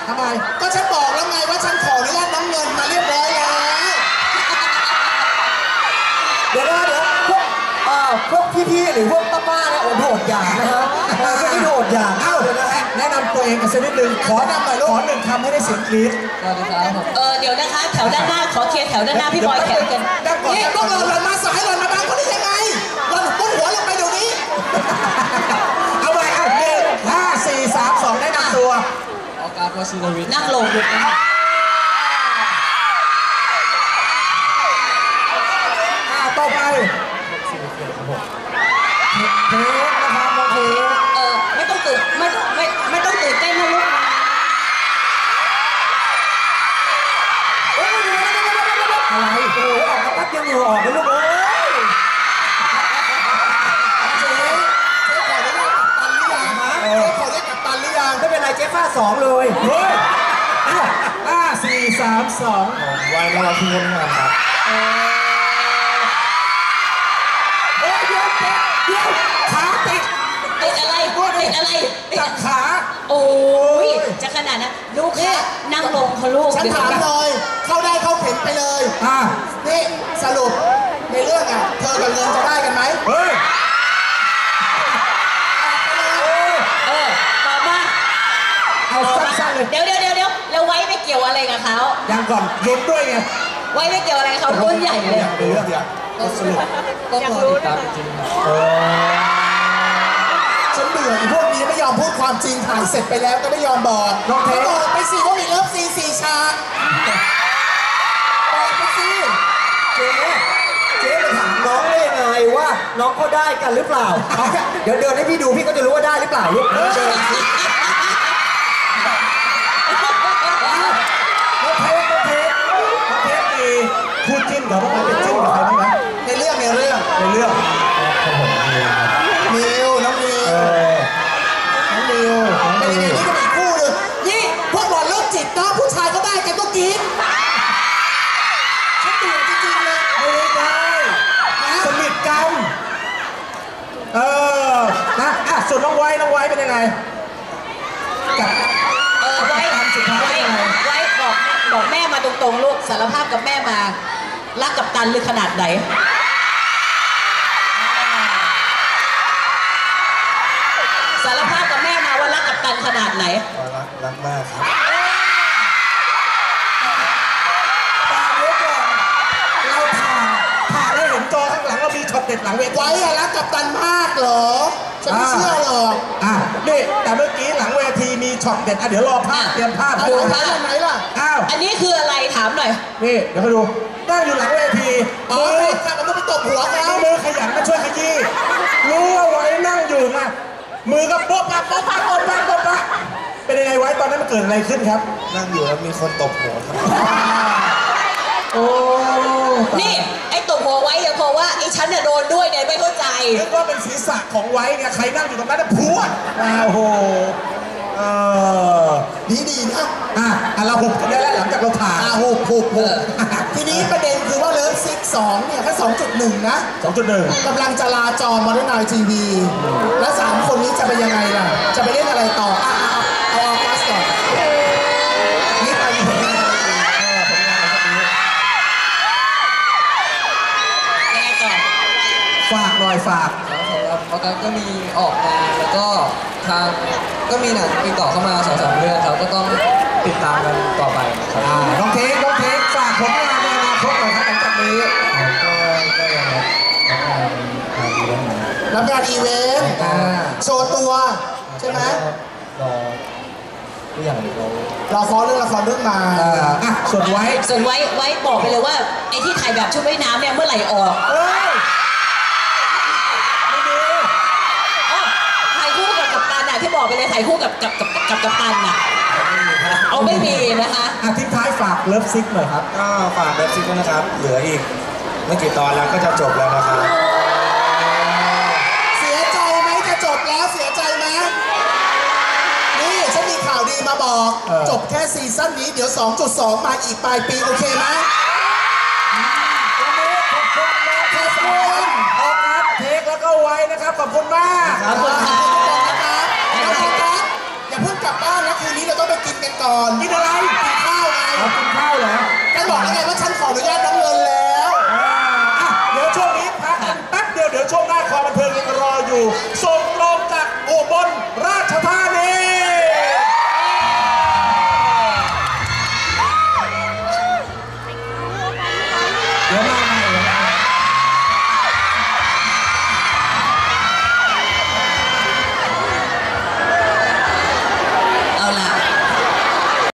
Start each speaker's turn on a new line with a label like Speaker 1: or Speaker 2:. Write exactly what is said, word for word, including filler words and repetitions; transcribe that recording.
Speaker 1: ทำไมก็ฉันบอกแล้วไงว่าฉันขออนุญาตน้ำเงินมาเรียบร้อยแล้ว
Speaker 2: เดี๋ยวนะเดี๋ยวพวกเอ่อพวกพี่ๆหรือพวกป้าๆเนี่ยโอ้โหดอย่างนะฮะพวกนี้โหดอย่างเอ้าเดี๋ยวนะฮะแนะนำตัวเองกันสักนิดนึงขอนำหน่อยลูกขอหนึ่งคำให้ได้เสียงกรี๊ด
Speaker 3: เออเดี๋ยวนะคะแถวด้านหน้าขอเคลียร์แถวด้านหน้าพี่บอยแถวกัน
Speaker 1: นี่พวกเราหล่นมาสายหล่นมาบางคนได้ยังไงหล่นปุ้งหัวลงไปเดี๋ยวนี้
Speaker 2: เอาไปอ่ะหนึ่งห้าสี่สามสองได้นำตัว
Speaker 4: ออกาโกซิโนวิท
Speaker 3: นั่งลงดูนะ
Speaker 2: ต่อไปเทปนะครับน้องเทป
Speaker 3: เออไม่ต้องตื่นไม่ต้องไม่ไม่ต้องตื่นเต้นนะลูก
Speaker 2: อะไรโอ้ออกมาปั๊บยังอยู่ออกเลยลูกเอ้ย
Speaker 1: เจ๊เจ๊ขอได้กัปตันหรือยังฮะเจ๊ขอได้กัปตันหรือยัง
Speaker 2: ไม่เป็นไรเจ๊ฟาดสองเลยเฮ้ยห้าสี่สามสอง
Speaker 4: ไว้แล้วเราพิมพ์งานครับ
Speaker 2: ขาติด
Speaker 3: ติดอะไรติดอะไร
Speaker 2: จับขา
Speaker 3: โอ้ยจะขนาดนั้นลูกแค่นั่งลงเขาลูก
Speaker 1: ฉันถามเลยเข้าได้เข้าเข็มไปเลย
Speaker 2: อ่า
Speaker 1: นี่สรุปในเรื่องอ่ะเธอกับเงินจะได้กันไหม
Speaker 2: เฮ้ย
Speaker 3: เออตอบมา
Speaker 2: เอาสั้นๆเลย
Speaker 3: เดี๋ยวเดี๋ยวเดี๋ยวเดี๋ยวแล้วไว้ไม่เกี่ยวอะไรกับเขา
Speaker 2: ยังก่อนลุ้นด้วยไง
Speaker 3: ไว้ไม่เกี่ยวอะไรเขาต้นใหญ่เลย
Speaker 2: เดี๋ยวเดี๋ยว
Speaker 4: ก็สรุปก็รอติดตามจริง
Speaker 1: ฉันเบื่อไอ้พวกนี้ไม่ยอมพูดความจริงถ่ายเสร็จไปแล้วก็ไม่ยอมบอก
Speaker 2: น้องเทป
Speaker 1: บอกไปสิว่ามีเลิฟซีสี่ฉากบอกไปสิ
Speaker 2: เจ๊เจ๊ไปถามน้องได้ยังไงว่าน้องเขาได้กันหรือเปล่าเดี๋ยวเดินให้พี่ดูพี่ก็จะรู้ว่าได้หรือเปล่าลูกเดินน้องเทปน้องเทปน้องเทปมีพูดจิ้นกับพวกมันเป็นจิ้นกับใครบ้างไหม
Speaker 1: ในเรื่องในเรื่อง
Speaker 2: ในเรื่อง
Speaker 1: มิวน้องมิวน้องมิวเป็นยังไงนี่ก็มีคู่หนึ่งนี่พวกหล่อนเลิกจิตนะผู้ชายก็ได้กันต้องกินฉันตื่นจริงๆเลย
Speaker 2: ไม่ได้สนิทกันเออนะอ่ะส่วนน้องไว้น้องไว้เป็นยังไงกับ
Speaker 3: เออไว้
Speaker 2: ทำสุดท้ายยังไง
Speaker 3: ไว้บอกบอกแม่มาตรงๆลูกสารภาพกับแม่มารักกับตันหรือขนาดไหนสารภาพกับแม่มาว่ารักกับตันขนาดไหน
Speaker 4: รักรักมากครับ
Speaker 2: ตาเยอะก่อนเราถ่ายถ่ายได้เห็นจอข้างหลังว่ามีช็อตเด็ดหลังเวที
Speaker 1: ไว้อะรักกับตันมากเหรอฉันไม่เชื่อหรอก
Speaker 2: อ่ะนี่แต่เมื่อกี้หลังเวทีมีช็อตเด็ดอ่ะเดี๋ยวรอภาพเตรียมภาพ
Speaker 1: ดูภาพไหนล่ะ
Speaker 2: อ้าว
Speaker 3: อันนี้คืออะไรถามหน่อย
Speaker 2: นี่เดี๋ยวมาดูนั่งอยู่หลังเวที
Speaker 1: อ๋อข้ามันต้องไปตบหัวเขา
Speaker 2: มือขยันมาช่วยขยี้รู้ว่าไว้นั่งอยู่ไงมือก็โป๊ะปะโป๊ะปะโป๊ะปะโป๊ะปะเป็นยังไงไว้ตอนนั้นมันเกิดอะไรขึ้นครับ
Speaker 4: นั่งอยู่แล้วมีคนตบหัวครับ
Speaker 2: โอ้
Speaker 3: นี่ไอ้ตบหัวไว้ยังพอว่าไอ้ฉันเนี่ยโดนด้วยเนี่ยไม่เข้าใจ
Speaker 2: นึกว่าเป็นศีรษะของไว้เนี่ยใครนั่งอยู่ตรงนั้นน่ะพัวโอ้โหเออ
Speaker 1: ดีดีนะ
Speaker 2: อ่ะอ่ะเราหุบกันได้แล้วหลังจากเราถ่าย
Speaker 1: อ่ะหุบหุบหุบทีนี้ประเด็นคือว่าเลิฟซิกสองเนี่ยแค่สองจุดหนึ่งนะ
Speaker 2: สองจุดหนึ่ง
Speaker 1: กำลังจะลาจอมอเตอร์ไนท์ทีวีแล้วสามคนนี้จะเป็นยังไงล่ะจะไปเล่นอะไรต่ออ่ะเอาเอาฟาสก่อนนี่ไปผลงานผลงานอะไรสักนิด
Speaker 3: ยังไงต่อ
Speaker 2: ฝากหน่อยฝาก
Speaker 4: ครับสำหรับประกันก็มีออกงานแล้วก็ทางก็มีหนังติดต่อเข้ามาสองสามเรื่องครับก็ต้องติดตามกันต่อไป
Speaker 2: ครับน้องเทคน้องเทคฝากผลงานในอนาคตหน่อยครับหลังจากนี้
Speaker 4: ก็ก็ยัง
Speaker 1: รับงานอีเวนต์โชว์ตัวใช่ไหม
Speaker 4: รอทุกอย่างเรา
Speaker 1: รอฟอเรื่องละครเรื่องมา
Speaker 2: อ่ะส่วนไว้
Speaker 3: ส่วนไว้ไว้บอกไปเลยว่าไอ้ที่ถ่ายแบบชุดว่ายน้ำเนี่ยเมื่อไหร่ออกถ่ายคู่กับกัปตันอ่ะที่บอกไปเลยถ่ายคู่กับกับกับกับกัปตันอ่ะเอาไม่มีนะคะ
Speaker 2: อ่ะทิ้งท้ายฝากเลิฟซิกหน่อยครับ
Speaker 4: ก็ฝากเลิฟซิกด้วยนะครับเหลืออีกไม่กี่ตอนแล้วก็จะจบแล้วนะครับ
Speaker 1: เสียใจไหมจะจบแล้วเสียใจไหมนี่ฉันมีข่าวดีมาบอกจบแค่ซีซั่นนี้เดี๋ยว สองจุดสอง มาอีกปลายปีโอเคไหม
Speaker 2: ขอบคุณนะขอบคุณออกครับเทคแล้วก็ไว้นะครับขอบคุณมาก
Speaker 3: ขอบคุณครับ
Speaker 1: อย่าเพิ่งกลับบ้านนะว่าคืนนี้เราต้องไปกินกันก่อนกินอะไรกินข้าวไง
Speaker 2: เอากินข้าวเหรอ
Speaker 1: ฉันบอกแล้วไงว่าฉันขออนุญาตน้ำเงินแล้ว
Speaker 5: อ่ะเดี๋ยวช่วงนี้พักกันแป๊บเดียวเดี๋ยวช่วงหน้าความบันเทิงยังรออยู่ส่ง